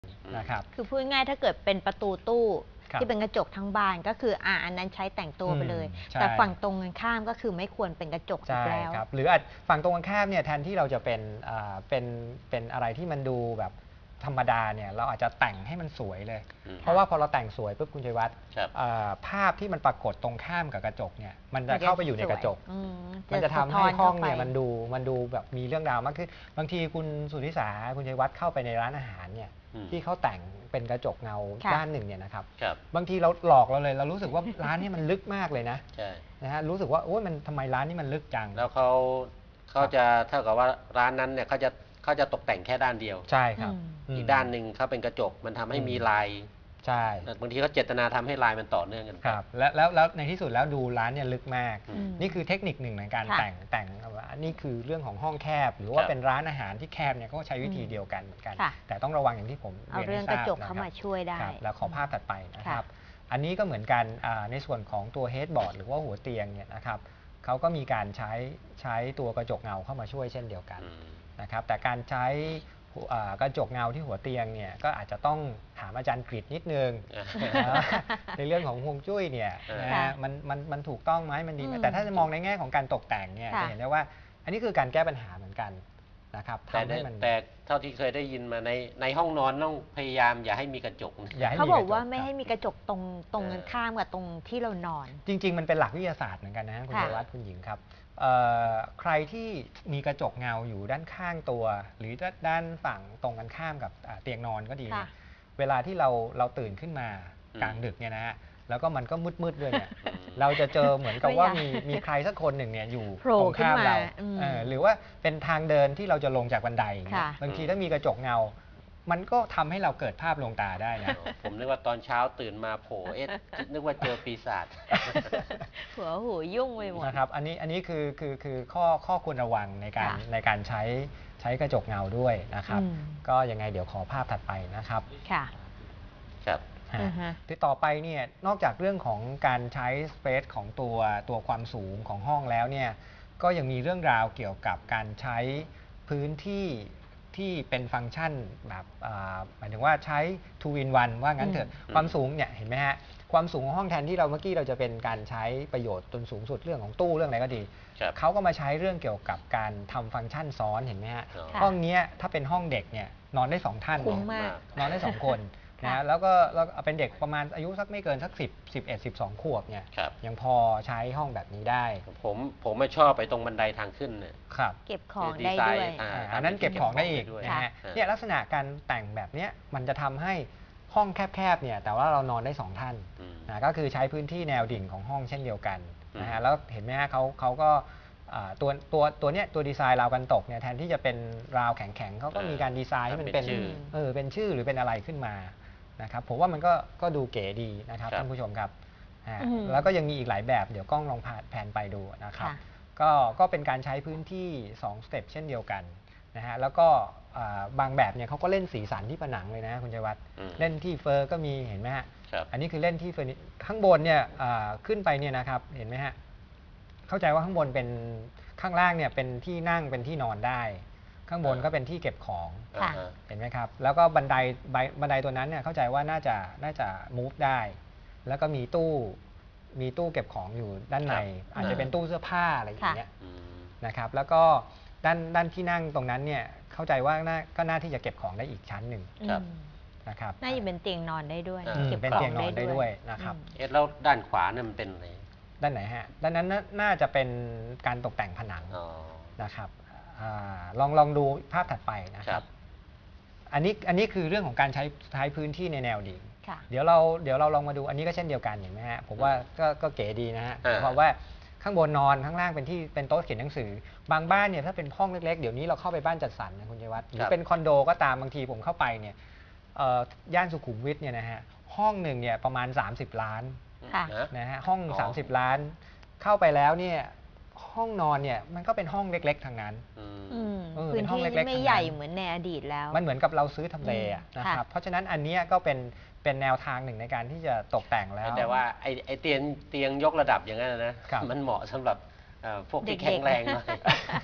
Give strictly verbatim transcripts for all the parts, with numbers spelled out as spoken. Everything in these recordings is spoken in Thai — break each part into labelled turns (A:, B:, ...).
A: นะครับ
B: คือพูดง่ายถ้าเกิดเป็นประตูตู้ที่เป็นกระจกทั้งบานก็คืออ่าอันนั้นใช้แต่งตัวไปเลยแต่ฝั่งตรงกันข้ามก็คือไม่ควรเป็นกระจกอีกแล้ว
A: หรืออาจฝั่งตรงกันข้ามเนี่ยแทนที่เราจะเป็นเป็นเป็นอะไรที่มันดูแบบธรรมดาเนี่ยเราอาจจะแต่งให้มันสวยเลยเพราะว่าพอเราแต่งสวยปุ๊บคุณชัยวัฒน์ภาพที่มันปรากฏตรงข้ามกับกระจกเนี่ยมันจะเข้าไปอยู่ในกระจกมันจะทำให้ห้องเนี่ยมันดูมันดูแบบมีเรื่องราวมากขึ้นบางทีคุณสุทธิสาคุณชัยวัฒน์เข้าไปในร้านอาหารเนี่ยที่เขาแต่งเป็นกระจกเงาด้านหนึ่งเนี่ยนะครับบางทีเราหลอกเราเลยเรารู้สึกว่าร้านนี้มันลึกมากเลยนะนะฮะรู้สึกว่าโอ้ยมันทำไมร้านนี้มันลึกจัง
C: แล้วเขาเขาจะเท่ากับว่าร้านนั้นเนี่ยเขาจะเขาจะตกแต่งแค่ด้านเดียว
A: ใช่ครับ
C: อีกด้านหนึ่งเขาเป็นกระจกมันทำให้มีลาย
A: ใช่
C: บางทีเขาเจตนาทำให้ลายมันต่อเนื่องกัน
A: ครับแล้วแล้วแล้วในที่สุดแล้วดูร้านเนี่ยลึกมากนี่คือเทคนิคหนึ่งในการแต่งแต่งว่านี่คือเรื่องของห้องแคบหรือว่าเป็นร้านอาหารที่แคบเนี่ยก็ใช้วิธีเดียวกันเหมือนกันแต่ต้องระวังอย่างที่ผม
B: เรียนให้ทราบนะครับเอาเรื่องกระจกเข้ามาช่วยได้
A: แล้วขอภาพถัดไปนะครับอันนี้ก็เหมือนกันในส่วนของตัวเฮดบอร์ดหรือว่าหัวเตียงเนี่ยนะครับเขาก็มีการใช้ใช้ตัวกระจกเงาเข้ามาช่วยเช่นเดียวกันนะครับแต่การใช้กระจกเงาที่หัวเตียงเนี่ยก็อาจจะต้องถามอาจารย์กฤษนิดนึงในเรื่องของฮวงจุ้ยเนี่ยนะมันมันมันถูกต้องไหมมันดีไหมแต่ถ้าจะมองในแง่ของการตกแต่งเนี่ยจะเห็นได้ว่าอันนี้คือการแก้ปัญหาเหมือนกันนะครับ
C: ทำให้มันแต่เท่าที่เคยได้ยินมาในในห้องนอนต้องพยายามอย่าให้มีกระจก
B: เขาบอกว่าไม่ให้มีกระจกตรงตรงกันข้ามกับตรงที่เรานอน
A: จริงๆมันเป็นหลักวิทยาศาสตร์เหมือนกันนะคุณชัยวัฒน์คุณหญิงครับใครที่มีกระจกเงาอยู่ด้านข้างตัวหรือด้านฝั่งตรงกันข้ามกับเตียงนอนก็ดีเวลาที่เราเราตื่นขึ้นมากลางดึกเนี่ยนะฮะแล้วก็มันก็มืดๆด้วยเนี่ยเราจะเจอเหมือนกับว่ามีมีใครสักคนหนึ่งเนี่ยอยู่ตรงข้ามเราหรือว่าเป็นทางเดินที่เราจะลงจากบันไดบางทีถ้ามีกระจกเงามันก็ทำให้เราเกิดภาพลวงตาได้นะ
C: ผมนึกว่าตอนเช้าตื่นมาโผล่เอ๊ะนึกว่าเจอปีศาจ
B: หัวหูยุ่งไปหมด
A: นะครับอันนี้อันนี้คือคือคือข้อข้อควรระวังในการในการใช้ใช้กระจกเงาด้วยนะครับก็ยังไงเดี๋ยวขอภาพถัดไปนะครับ
B: ค่ะ
C: ครับ
A: ที่ต่อไปเนี่ยนอกจากเรื่องของการใช้สเปซของตัวตัวความสูงของห้องแล้วเนี่ยก็ยังมีเรื่องราวเกี่ยวกับการใช้พื้นที่ที่เป็นฟังก์ชันแบบหมายถึงว่าใช้ two in one ว่างั้นเถอะความสูงเนี่ยเห็นไหมฮะความสูงของห้องแทนที่เราเมื่อกี้เราจะเป็นการใช้ประโยชน์จนสูงสุดเรื่องของตู้เรื่องอะไรก็ดีเขาก็มาใช้เรื่องเกี่ยวกับการทำฟังก์ชันซ้อนเห็นไหมฮะห้องนี้ถ้าเป็นห้องเด็กเนี่ยนอนได้สองท่านนอนได้สองคนนะแล้วก็เราเป็นเด็กประมาณอายุสักไม่เกินสักสิบ สิบเอ็ด สิบสองขวบเนี่ยยังพอใช้ห้องแบบนี้ได้
C: ผมผมไม่ชอบไปตรงบันไดทางขึ้นเนี่ย
B: เก็บของได้ด้วย
A: อันนั้นเก็บของได้อีกนะฮะเนี่ยลักษณะการแต่งแบบนี้มันจะทำให้ห้องแคบๆเนี่ยแต่ว่าเรานอนได้สองท่านนะก็คือใช้พื้นที่แนวดิ่งของห้องเช่นเดียวกันนะฮะแล้วเห็นไหมฮะเขาเขาก็ตัวตัวตัวเนี้ยตัวดีไซน์ราวกันตกเนี่ยแทนที่จะเป็นราวแข็งๆเขาก็มีการดีไซน์ให้มันเป็นเออเป็นชื่อหรือเป็นอะไรขึ้นมานะครับผมว่ามันก็ก็ดูเก๋ดีนะครับท่านผู้ชมครับแล้วก็ยังมีอีกหลายแบบเดี๋ยวกล้องลองแผนไปดูนะครับก็ก็เป็นการใช้พื้นที่สองสเต็ปเช่นเดียวกันนะฮะแล้วก็บางแบบเนี่ยเขาก็เล่นสีสันที่ผนังเลยนะคุณชัยวัฒน์เล่นที่เฟอร์ก็มีเห็นไหมฮะอันนี้คือเล่นที่เฟอร์ข้างบนเนี่ยขึ้นไปเนี่ยนะครับเห็นไหมฮะเข้าใจว่าข้างบนเป็นข้างล่างเนี่ยเป็นที่นั่งเป็นที่นอนได้ข้างบนก็เป็นที่เก็บของเห็นไหมครับแล้วก็บันไดบันไดตัวนั้นเนี่ยเข้าใจว่าน่าจะน่าจะ move ได้แล้วก็มีตู้มีตู้เก็บของอยู่ด้านในอาจจะเป็นตู้เสื้อผ้าอะไรอย่างเงี้ยนะครับแล้วก็ด้านด้านที่นั่งตรงนั้นเนี่ยเข้าใจว่าก็น่าที่จะเก็บของได้อีกชั้นหนึ่งนะครับ
B: น่าจะเป็นเตียงนอนได้ด้วย
A: เป็นเตียงนอนได้ด้วยนะครับ
C: เอ๊ะแล้วด้านขวาเนี่ยมันเป็นอะไร
A: ด้านไหนฮะด้านนั้นน่าจะเป็นการตกแต่งผนังนะครับลองลองดูภาพถัดไปนะครับอันนี้อันนี้คือเรื่องของการใช้ใช้พื้นที่ในแนวดิ่งเดี๋ยวเราเดี๋ยวเราลองมาดูอันนี้ก็เช่นเดียวกันเห็นไหมฮะผมว่าก็ก็เก๋ดีนะฮะเพราะว่าข้างบนนอนข้างล่างเป็นที่เป็นโต๊ะเขียนหนังสือบางบ้านเนี่ยถ้าเป็นห้องเล็กๆเดี๋ยวนี้เราเข้าไปบ้านจัดสรรนะคุณชัยวัฒน์หรือเป็นคอนโดก็ตามบางทีผมเข้าไปเนี่ยย่านสุขุมวิทเนี่ยนะฮะห้องหนึ่งเนี่ยประมาณสามสิบล้านนะฮะห้องสามสิบล้านเข้าไปแล้วเนี่ยห้องนอนเนี่ยมันก็เป็นห้องเล็กๆทางนั้น
B: พื้นที่ไม่ใหญ่เหมือนในอดีตแล้ว
A: มันเหมือนกับเราซื้อทำเลนะครับเพราะฉะนั้นอันนี้ก็เป็นเป็นแนวทางหนึ่งในการที่จะตกแต่งแล้ว
C: แต่ว่าไอ้ไอ้เตียงเตียงยกระดับอย่างนั้นนะมันเหมาะสำหรับพวกที่แข็งแรงหน่อย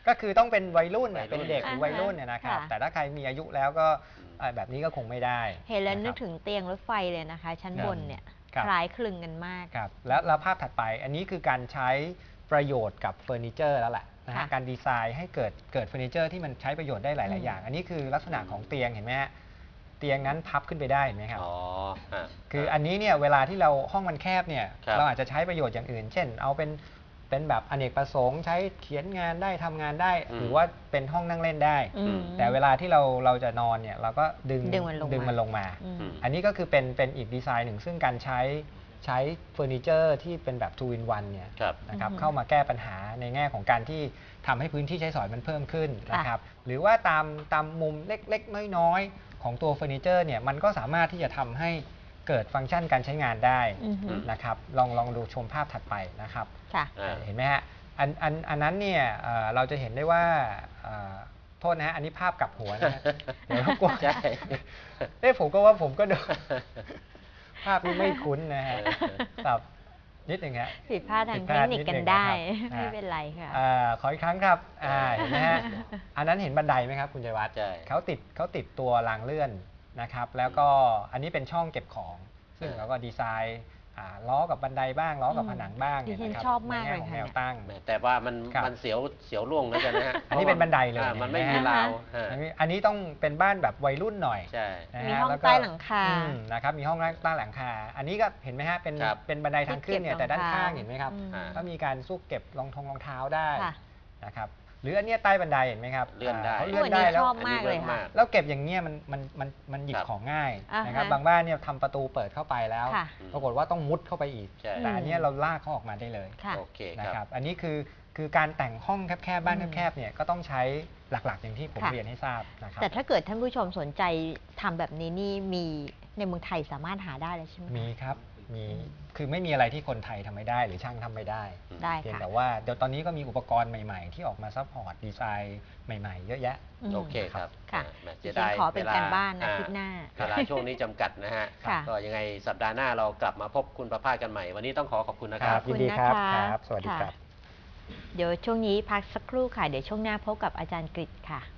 A: ก็คือต้องเป็นวัยรุ่น
C: วัยรุ่น
A: เป็นเด็กหรือวัยรุ่นเนี่ยนะครับ
B: ค่ะ
A: แต่ถ้าใครมีอายุแล้วก็เอ่อแบบนี้ก็คงไม่ได้
B: เห็นแล้ว
A: ะครับ
B: นึกถึงเตียงรถไฟเลยนะคะ ชั้นบนเนี่ย
A: ครับ
B: คล้ายคลึงกันมาก
A: ครับแล้วแล้วภาพถัดไปอันนี้คือการใช้ประโยชน์กับเฟอร์นิเจอร์แล้วแหละนะฮะ
B: ค่ะ
A: การดีไซน์ให้เกิดเกิดเฟอร์นิเจอร์ที่มันใช้ประโยชน์ได้ห
B: อื
A: ลาย
B: ม
A: ๆ อย่าง อันนี้คือลักษณะของเตียงเห็นไหมฮะเตียงนั้นพับขึ้นไปได้เห็นไหมครับ
C: อ๋อฮะ
A: คืออันนี้เนี่ยเวลาที่เราห้องมันแคบเนี่ย
C: ครับ
A: เราอาจจะใช้ประโยชน์อย่างอื่น เช่น เอาเป็นเป็นแบบอเนกประสงค์ใช้เขียนงานได้ทำงานได้
C: อืม
A: หรือว่าเป็นห้องนั่งเล่นได้
B: อืม
A: แต่เวลาที่เราเราจะนอนเนี่ยเราก็ดึง
B: ดึงมันลงมา
A: ดึงมันลงมา
B: อืม
C: อืม
A: อันนี้ก็คือเป็นเป็นอีกดีไซน์หนึ่งซึ่งการใช้ใช้เฟอร์นิเจอร์ที่เป็นแบบ two in one เนี่ย
C: ครับ
A: นะครับ
B: อือฮึ
A: เข้ามาแก้ปัญหาในแง่ของการที่ทำให้พื้นที่ใช้สอยมันเพิ่มขึ้น
B: ค่ะ
A: นะครับหรือว่าตามตามมุมเล็กๆ น้อยๆ ของตัวเฟอร์นิเจอร์เนี่ยมันก็สามารถที่จะทำให้เกิดฟังก์ชันการใช้งานได้
B: อือฮึ
A: นะครับลองลองดูชมภาพถัดไปนะครับ
B: ค่ะ
C: อ่า
A: เห็นไหมฮะอันอันอันนั้นเนี่ยเอ่อเราจะเห็นได้ว่าเอ่อโทษนะฮะอันนี้ภาพกลับหัวนะฮะเดี๋ยวรบกวน
C: ใช่
A: เอ้ผมก็ว่าผมก็ดู ภาพนี้ไม่คุ้นนะฮะ
C: เออ
A: ครับนิดหนึ่งฮะ
B: ผิดพลาดทาง
A: ผิด
B: เท
A: พ
B: ค
A: ลาด
B: นิค
A: นิด
B: กัน
A: หนึ่ง
B: ได้
A: นะครับ
B: ไม่เป็นไรค่ะ
A: อ่าขออีกครั้งครับอ่าเห็นไหมฮะ อันนั้นเห็นบันไดไหมครับคุณชัยวัฒน์
C: ใช่
A: เขาติดเขาติดตัวรางเลื่อนนะครับ แล้วก็อันนี้เป็นช่องเก็บของ ซึ่ง
C: เออ
A: เราก็ดีไซน์อ่าล้อกับบันไดบ้างล้อกับ
B: อืม
A: ผนังบ้าง
B: ดิฉัน
A: เยะครับ
B: ชอบมาก
A: ในแง่ของ
B: เลยค่ะ
A: แนวตั้ง
C: แหมแต่ว่ามัน
A: ครับ
C: มันเสียวเสียวล่วงแล้วกันนะฮะ
A: อันนี้เป็นบันไดเลย
C: อ่ามันไม่
A: เห็
C: มี
A: นไหม
C: ราวฮะ
A: อันนี้อันนี้ต้องเป็นบ้านแบบวัยรุ่นหน่อย
C: ใช่
A: นะฮะ
B: มีห้อง
A: แล้วก็
B: ใต้หลังคา
A: อืมนะครับมีห้องใต้หลังคา อันนี้ก็เห็นไหมฮะเป็น
C: ครับ
A: เป็นบันไดทางขึ้นเนี่ยแต่ด้านข้างเห็นไหมครับ
B: อืม
C: อ่า
A: ก็มีการซุกเก็บรองทงรองเท้าได้
B: ค่ะ
A: นะครับหรืออันเนี้ยใต้บันไดเห็นไหมครับ
C: เลื่อนได้
A: าเขา
B: โอ้
A: เลื่อน
B: อัน
A: ได้
B: นี้
A: แล้ว
B: ชอบมากเลยค่ะ
A: แล้วเก็บอย่างเงี้ยมันมันมันมันหยิบ
C: ครับ
A: ของง่าย
B: อ่าฮะ
A: นะครับบางบ้านเนี่ยทำประตูเปิดเข้าไปแล้ว
B: ค่ะ
A: ปรากฏว่าต้องมุดเข้าไปอีก
C: ใช่
A: แต่อันเนี้ยเราลากเขาออกมาได้เลย
B: ค่ะ
C: โอเค
A: นะ
C: ค
A: ค
C: รั
A: รับ บอันนี้คือคือการแต่งห้องแคบๆบ้าน
B: อืม
A: แคบๆเนี่ยก็ต้องใช้หลักๆอย่างที่ผม
B: ค่ะ
A: เรียนให้ทราบนะครับ
B: แต่ถ้าเกิดท่านผู้ชมสนใจทำแบบนี้นี่มีในเมืองไทยสามารถหาได้เลยใช่ไหมคะ
A: มีครับ มี คือไม่มีอะไรที่คนไทยทำไม่ได้หรือช่างทำไม่ได้
B: ได้
A: เพียง
B: ค่ะ
A: แต่ว่าเดี๋ยวตอนนี้ก็มีอุปกรณ์ใหม่ ๆ ที่ออกมาซัพพอร์ตดีไซน์ใหม่ ๆ เยอะแยะ
B: อืม
C: โอเคครับ
B: ค่ะ
C: อ่าแหม
B: ดิ
C: เสีย
B: ฉั
C: ดาน ย
B: ขอเป็น
C: วล
B: การบ้านนะ
C: อ่
B: อาทิตย์หน้า
C: เวลาช่วงนี้จำกัดนะฮะ
B: ค่ะ
C: ก็ยังไงสัปดาห์หน้าเรากลับมาพบคุณประภาสกันใหม่ วันนี้ต้องขอขอบคุณนะค
A: ค
C: รั
A: รับ บ ยินดีครับ
B: ขอบคุณนะคะ
A: ครับ สวัสดี
B: ค่ะ
A: ครับ
B: เดี๋ยวช่วงนี้พักสักครู่ค่ะ เดี๋ยวช่วงหน้าพบกับอาจารย์กฤษค่ะ